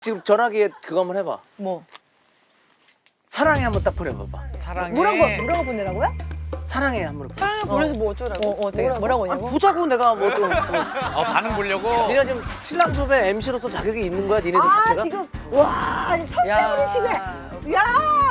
지금 전화기에 그거 한번 해봐. 뭐? 사랑해 한번 딱 보내봐봐. 사랑해. 뭐라고 보내라고요? 사랑해 한번. 보내. 사랑을 보내서 뭐 어쩌라고? 어떻게 뭐라고 아니, 하냐고? 보자고 내가 뭐 또. 반응 보려고. 니네 지금 신랑 수배 MC로서 자격이 있는 거야 니네들 아 자체가? 지금 와 털세 부리시네. 야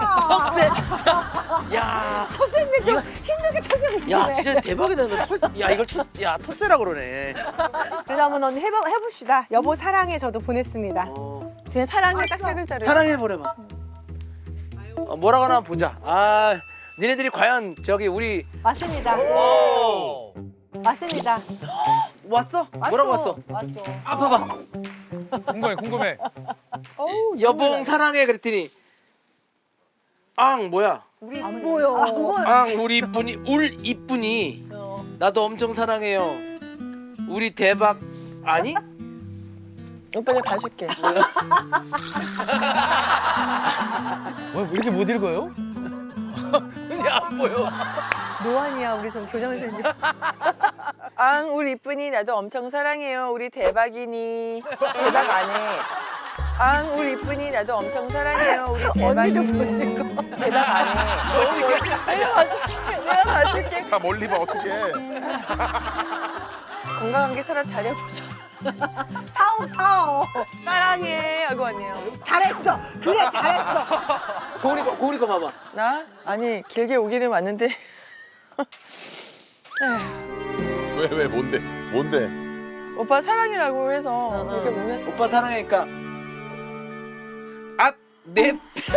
야, 털세인데 좀 힘들게 털세 부리시네. 야 진짜 대박이다. 야 이걸 야 텃세라 그러네. 그래서 한번 언니 해봅시다. 여보 사랑해 저도 보냈습니다. 그냥 사랑해 딱 세 글자를. 사랑해 보내봐. 뭐라고 하나 보자. 아 니네들이 과연 저기 우리 맞습니다. 오. 맞습니다. 왔어? 뭐라고 왔어? 왔어. 아 봐봐. 궁금해 궁금해. 여봉 사랑해 그랬더니 앙 뭐야? 안 보여. 앙 우리 이쁜이 울 이쁜이 나도 엄청 사랑해요. 우리 대박 아니? 오빠 내가 봐줄게. 왜 이렇게 못 읽어요? 눈이 안 보여. 노안이야 우리 좀 교장 선생님. 앙 우리 이쁜이 나도 엄청 사랑해요. 우리 대박이니 대박 안 해. 앙 우리 이쁜이 나도 엄청 사랑해요. 우리 언니도 대박이니 보내고. 대박 안 해. 내가 봐줄게. 다 멀리 봐 어떻게? 건강하게 살아 잘해보자. 사오. 사랑해 하고 왔네요. 잘했어. 그래 잘했어. 고은이 거 봐봐. 나? 아니 길게 오기는 왔는데 왜 뭔데? 오빠 사랑이라고 해서 그렇게 보냈어. 오빠 사랑하니까 네.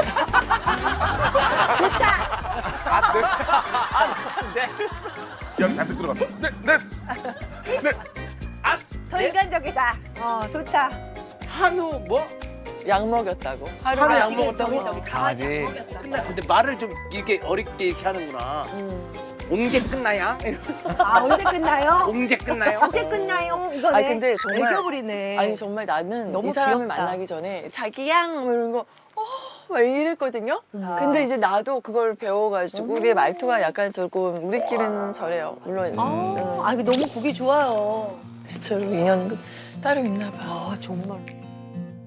야 잔뜩 들어갔어. 네. 더 인간적이다. 좋다. 한우 뭐? 약 먹였다고. 한우 하루가 약 먹었다고? 강아지. 근데 말을 좀 이렇게 어렵게 이렇게 하는구나. 언제 끝나야? 아 언제 끝나요? 언제 끝나요? 언제 끝나요? 이거네. 아니, 근데 정말- 애교부리네. 아니 정말 나는 너무 이 사람을 귀엽다. 만나기 전에 자기양 뭐 이런 거 막 이랬거든요. 근데 이제 나도 그걸 배워가지고 우리의 말투가 약간 조금 우리끼리는 저래요. 물론 아 이거 너무 보기 좋아요. 진짜로 인연 따로 있나 봐. 아 정말.